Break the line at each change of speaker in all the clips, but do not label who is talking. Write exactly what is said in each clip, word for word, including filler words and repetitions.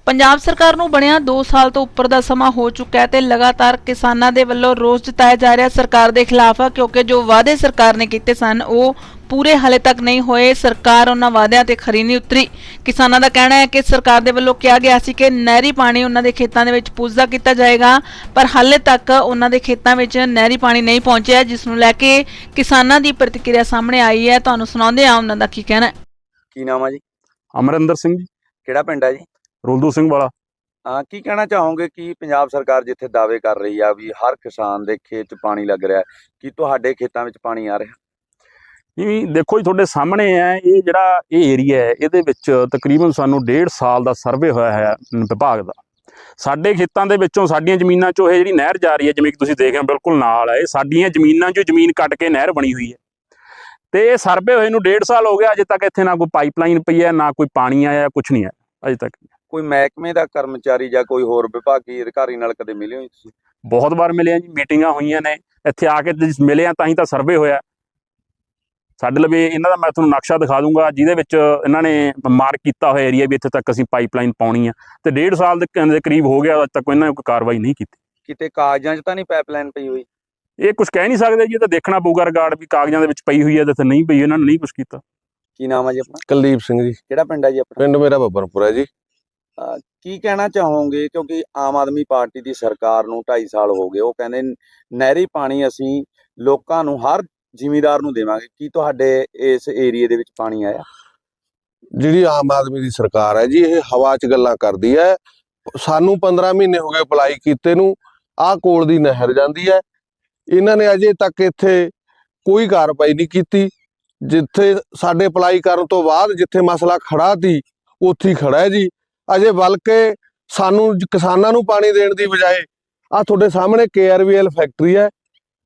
ਪੰਜਾਬ ਸਰਕਾਰ ਨੂੰ ਬਣਿਆ दो ਸਾਲ ਤੋਂ ਉੱਪਰ ਦਾ ਸਮਾਂ ਹੋ ਚੁੱਕਾ ਹੈ ਤੇ ਲਗਾਤਾਰ ਕਿਸਾਨਾਂ ਦੇ ਵੱਲੋਂ ਰੋਸ ਜਤਾਇਆ ਜਾ ਰਿਹਾ ਸਰਕਾਰ ਦੇ ਖਿਲਾਫ, ਕਿਉਂਕਿ ਜੋ ਵਾਅਦੇ ਸਰਕਾਰ ਨੇ ਕੀਤੇ ਸਨ ਉਹ ਪੂਰੇ ਹਾਲੇ ਤੱਕ ਨਹੀਂ ਹੋਏ। ਸਰਕਾਰ ਉਹਨਾਂ ਵਾਅਦਿਆਂ ਤੇ ਖਰੀ ਨਹੀਂ ਉਤਰੀ। ਕਿਸਾਨਾਂ ਦਾ ਕਹਿਣਾ ਹੈ ਕਿ ਸਰਕਾਰ ਦੇ ਵੱਲੋਂ ਕਿਹਾ ਗਿਆ ਸੀ ਕਿ ਨਹਿਰੀ ਪਾਣੀ ਉਹਨਾਂ ਦੇ ਖੇਤਾਂ ਦੇ ਵਿੱਚ ਪੁੱਜਦਾ ਕੀਤਾ ਜਾਏਗਾ, ਪਰ ਹਾਲੇ ਤੱਕ ਉਹਨਾਂ ਦੇ ਖੇਤਾਂ ਵਿੱਚ ਨਹਿਰੀ ਪਾਣੀ ਨਹੀਂ ਪਹੁੰਚਿਆ, ਜਿਸ ਨੂੰ ਲੈ ਕੇ ਕਿਸਾਨਾਂ ਦੀ ਪ੍ਰਤੀਕਿਰਿਆ ਸਾਹਮਣੇ ਆਈ ਹੈ। ਤੁਹਾਨੂੰ ਸੁਣਾਉਂਦੇ ਹਾਂ ਉਹਨਾਂ ਦਾ ਕੀ ਕਹਿਣਾ ਹੈ।
ਕੀ ਨਾਮ ਹੈ ਜੀ?
ਅਮਰਿੰਦਰ ਸਿੰਘ ਜੀ।
ਕਿਹੜਾ ਪਿੰਡ ਹੈ ਜੀ?
ਰੁਲਦੂ ਸਿੰਘ ਵਾਲਾ।
ਹਾਂ, ਕੀ ਕਹਿਣਾ ਚਾਹੋਗੇ ਕਿ ਪੰਜਾਬ ਸਰਕਾਰ ਜਿੱਥੇ ਦਾਅਵੇ ਕਰ ਰਹੀ ਆ ਵੀ ਹਰ ਕਿਸਾਨ ਦੇ ਖੇਤ 'ਚ ਪਾਣੀ ਲੱਗ ਰਿਹਾ, ਕੀ ਤੁਹਾਡੇ ਖੇਤਾਂ ਵਿੱਚ ਪਾਣੀ ਆ ਰਿਹਾ?
ਜੀ ਦੇਖੋ ਜੀ, ਤੁਹਾਡੇ ਸਾਹਮਣੇ ਹੈ ਇਹ ਜਿਹੜਾ ਇਹ ਏਰੀਆ ਹੈ, ਇਹਦੇ ਵਿੱਚ ਤਕਰੀਬਨ ਸਾਨੂੰ ਡੇਢ ਸਾਲ ਦਾ ਸਰਵੇ ਹੋਇਆ ਹੈ ਵਿਭਾਗ ਦਾ। ਸਾਡੇ ਖੇਤਾਂ ਦੇ ਵਿੱਚੋਂ ਸਾਡੀਆਂ ਜ਼ਮੀਨਾਂ 'ਚੋਂ ਇਹ ਜਿਹੜੀ ਨਹਿਰ ਜਾ ਰਹੀ ਹੈ, ਜਿਵੇਂ ਕਿ ਤੁਸੀਂ ਦੇਖ ਰਹੇ ਹੋ ਬਿਲਕੁਲ ਨਾਲ ਹੈ, ਇਹ ਸਾਡੀਆਂ ਜ਼ਮੀਨਾਂ 'ਚੋਂ ਜ਼ਮੀਨ ਕੱਟ ਕੇ ਨਹਿਰ ਬਣੀ ਹੋਈ ਹੈ ਤੇ ਇਹ ਸਰਵੇ ਹੋਏ ਨੂੰ ਡੇਢ ਸਾਲ ਹੋ ਗਿਆ। ਅਜੇ ਤੱਕ ਇੱਥੇ ਨਾ ਕੋਈ ਪਾਈਪਲਾਈਨ ਪਈ ਹੈ, ਨਾ ਕੋਈ ਪਾਣੀ ਆਇਆ, ਕੁਛ ਨਹੀਂ ਆਇਆ ਅਜੇ ਤੱਕ।
ਕੋਈ ਮਹਿਕਮੇ ਦਾ ਕਰਮਚਾਰੀ ਜਾਂ ਕੋਈ ਹੋਰ ਵਿਭਾਗੀ ਅਧਿਕਾਰੀ ਨਾਲ ਕਦੇ ਮਿਲੇ ਹੋ ਤੁਸੀਂ?
ਬਹੁਤ ਵਾਰ ਮਿਲੇ ਆ ਜੀ, ਮੀਟਿੰਗਾਂ ਹੋਈਆਂ ਨੇ, ਇੱਥੇ ਆ ਕੇ ਮਿਲੇ ਆ ਤਾਂ ਹੀ ਤਾਂ ਸਰਵੇ ਹੋਇਆ। ਸਾਡੇ ਲਵੇ ਇਹਨਾਂ ਦਾ ਮੈਂ ਤੁਹਾਨੂੰ ਨਕਸ਼ਾ ਦਿਖਾ ਦੂੰਗਾ, ਜਿਹਦੇ ਵਿੱਚ ਇਹਨਾਂ ਨੇ ਮਾਰਕ ਕੀਤਾ ਹੋਇਆ ਏਰੀਆ ਵੀ ਇੱਥੇ ਤੱਕ ਅਸੀਂ ਪਾਈਪਲਾਈਨ ਪਾਉਣੀ ਆ, ਤੇ ਡੇਢ ਸਾਲ ਦੇ ਕਰੀਬ ਹੋ ਗਿਆ, ਅੱਜ ਤੱਕ ਇਹਨਾਂ ਨੇ ਕੋਈ ਕਾਰਵਾਈ ਨਹੀਂ ਕੀਤੀ।
ਕਿਤੇ ਕਾਗਜ਼ਾਂ 'ਚ ਤਾਂ ਨਹੀਂ ਪਾਈਪਲਾਈਨ ਪਈ ਹੋਈ?
ਇਹ ਕੁਝ ਕਹਿ ਨਹੀਂ ਸਕਦੇ ਜੀ, ਇਹ ਤਾਂ ਦੇਖਣਾ ਪਊਗਾ ਰਿਕਾਰਡ ਵੀ ਕਾਗਜ਼ਾਂ ਦੇ ਵਿੱਚ ਪਈ ਹੋਈ ਹੈ ਤੇ ਨਹੀਂ ਪਈ, ਇਹਨਾਂ ਨੇ ਨਹੀਂ ਕੁਝ ਕੀਤਾ।
ਕੀ ਨਾਮ ਹੈ ਜੀ ਆਪਣਾ?
ਕੁਲਦੀਪ ਸਿੰਘ ਜੀ।
ਕਿਹੜਾ ਪਿੰਡ ਹੈ ਜੀ ਆਪਣਾ?
ਪਿੰਡ ਮੇਰਾ ਬੱਬਰਪੁਰ ਹੈ ਜੀ।
ਅਹ ਕੀ ਕਹਿਣਾ ਚਾਹੋਗੇ, ਕਿਉਂਕਿ ਆਮ ਆਦਮੀ ਪਾਰਟੀ ਦੀ ਸਰਕਾਰ ਨੂੰ ਢਾਈ ਸਾਲ ਹੋ ਗਏ, ਉਹ ਕਹਿੰਦੇ ਨਹਿਰੀ ਪਾਣੀ ਅਸੀਂ ਲੋਕਾਂ ਨੂੰ, ਹਰ ਜ਼ਿਮੀਂਦਾਰ ਨੂੰ ਦੇਵਾਂਗੇ। ਕੀ ਤੁਹਾਡੇ ਇਸ ਏਰੀਏ ਦੇ ਵਿੱਚ ਪਾਣੀ ਆਇਆ?
ਜਿਹੜੀ ਆਮ ਆਦਮੀ ਦੀ ਸਰਕਾਰ ਹੈ ਜੀ, ਇਹ ਹਵਾ 'ਚ ਗੱਲਾਂ ਕਰਦੀ ਹੈ। ਸਾਨੂੰ ਪੰਦਰਾਂ ਮਹੀਨੇ ਹੋ ਗਏ ਅਪਲਾਈ ਕੀਤੇ ਨੂੰ, ਆਹ ਕੋਲ ਦੀ ਨਹਿਰ ਜਾਂਦੀ ਹੈ, ਇਹਨਾਂ ਨੇ ਅਜੇ ਤੱਕ ਇੱਥੇ ਕੋਈ ਕਾਰਵਾਈ ਨਹੀਂ ਕੀਤੀ। ਜਿੱਥੇ ਸਾਡੇ ਅਪਲਾਈ ਕਰਨ ਤੋਂ ਬਾਅਦ ਜਿੱਥੇ ਮਸਲਾ ਖੜਾ ਸੀ ਉੱਥੇ ਹੀ ਖੜਾ ਹੈ ਜੀ। ਅਜੇ ਬਲਕਿ ਸਾਨੂੰ ਕਿਸਾਨਾਂ ਨੂੰ ਪਾਣੀ ਦੇਣ ਦੀ ਬਜਾਏ ਆਹ ਤੁਹਾਡੇ ਸਾਹਮਣੇ K R V L factory ਹੈ,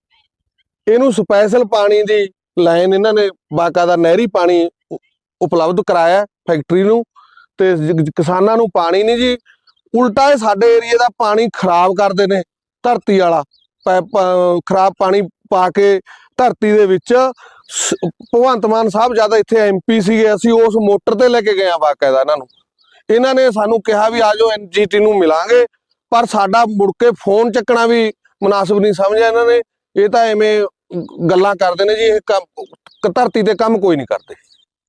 ਇਹਨੂੰ ਸਪੈਸ਼ਲ ਪਾਣੀ ਦੀ ਲਾਈਨ ਇਹਨਾਂ ਨੇ ਬਾਕਾਇਦਾ ਨਹਿਰੀ ਪਾਣੀ ਉਪਲਬਧ ਕਰਾਇਆ ਫੈਕਟਰੀ ਨੂੰ, ਤੇ ਕਿਸਾਨਾਂ ਨੂੰ ਪਾਣੀ ਨਹੀਂ ਜੀ, ਉਲਟਾ ਇਹ ਸਾਡੇ ਏਰੀਏ ਦਾ ਪਾਣੀ ਖਰਾਬ ਕਰਦੇ ਨੇ। ਧਰਤੀ ਵਾਲਾ ਖਰਾਬ ਪਾਣੀ ਪਾ ਕੇ ਧਰਤੀ ਦੇ ਵਿੱਚ। ਭਗਵੰਤ ਮਾਨ ਸਾਹਿਬ ਜਦ ਇੱਥੇ ਐਮ ਪੀ ਸੀਗੇ, ਅਸੀਂ ਉਸ ਮੋਟਰ ਤੇ ਲੈ ਕੇ ਗਏ ਆ ਬਾਕਾਇਦਾ ਇਹਨਾਂ ਨੂੰ। ਇਹਨਾਂ ਨੇ ਸਾਨੂੰ ਕਿਹਾ ਵੀ ਆਜੋ ਐਨ ਜੀ ਟੀ ਨੂੰ ਮਿਲਾਂਗੇ, ਪਰ ਸਾਡਾ ਮੁੜ ਕੇ ਫੋਨ ਚੱਕਣਾ ਵੀ ਮੁਨਾਸਿਬ ਨਹੀਂ ਸਮਝਿਆ ਇਹਨਾਂ ਨੇ। ਇਹ ਤਾਂ ਐਵੇਂ ਗੱਲਾਂ ਕਰਦੇ ਨੇ ਜੀ, ਇਹ ਕੰਮ ਧਰਤੀ ਤੇ ਕੰਮ ਕੋਈ ਨਹੀਂ ਕਰਦੇ।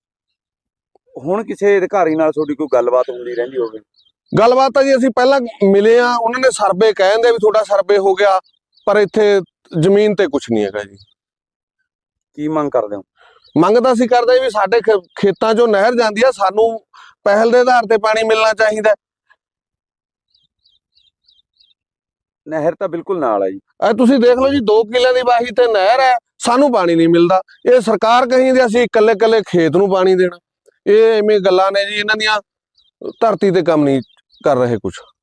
ਹੁਣ ਕਿਸੇ ਅਧਿਕਾਰੀ ਨਾਲ ਤੁਹਾਡੀ ਕੋਈ ਗੱਲਬਾਤ ਹੁੰਦੀ ਰਹਿੰਦੀ ਹੋਵੇ?
ਗੱਲਬਾਤ ਤਾਂ ਜੀ ਅਸੀਂ ਪਹਿਲਾਂ ਮਿਲੇ ਆ, ਉਹਨਾਂ ਨੇ ਸਰਵੇ ਕਹਿੰਦੇ ਵੀ ਤੁਹਾਡਾ ਸਰਵੇ ਹੋ ਗਿਆ, ਪਰ ਇੱਥੇ ਜ਼ਮੀਨ ਤੇ ਕੁਝ ਨਹੀਂ ਹੈਗਾ ਜੀ।
ਕੀ ਮੰਗ ਕਰਦੇ ਹੋ?
ਮੰਗ ਤਾਂ ਅਸੀਂ ਕਰਦੇ ਵੀ ਸਾਡੇ ਖੇਤਾਂ 'ਚੋਂ ਨਹਿਰ ਜਾਂਦੀ ਆ, ਸਾਨੂੰ ਪਹਿਲ ਦੇ ਆਧਾਰ ਤੇ ਪਾਣੀ ਮਿਲਣਾ ਚਾਹੀਦਾ।
ਨਹਿਰ ਤਾਂ ਬਿਲਕੁਲ ਨਾਲ ਹੈ ਜੀ।
ਇਹ ਤੁਸੀਂ ਦੇਖ ਲਓ ਜੀ, ਦੋ ਕਿੱਲਿਆਂ ਦੀ ਵਾਹੀ ਤੇ ਨਹਿਰ ਹੈ, ਸਾਨੂੰ ਪਾਣੀ ਨਹੀਂ ਮਿਲਦਾ। ਇਹ ਸਰਕਾਰ ਕਹਿੰਦੀ ਅਸੀਂ ਇਕੱਲੇ ਇਕੱਲੇ ਖੇਤ ਨੂੰ ਪਾਣੀ ਦੇਣਾ। ਇਹ ਐਵੇਂ ਗੱਲਾਂ ਨੇ ਜੀ, ਇਹਨਾਂ ਦੀਆਂ ਧਰਤੀ ਤੇ ਕੰਮ ਨਹੀਂ ਕਰ ਰਹੇ ਕੁਝ।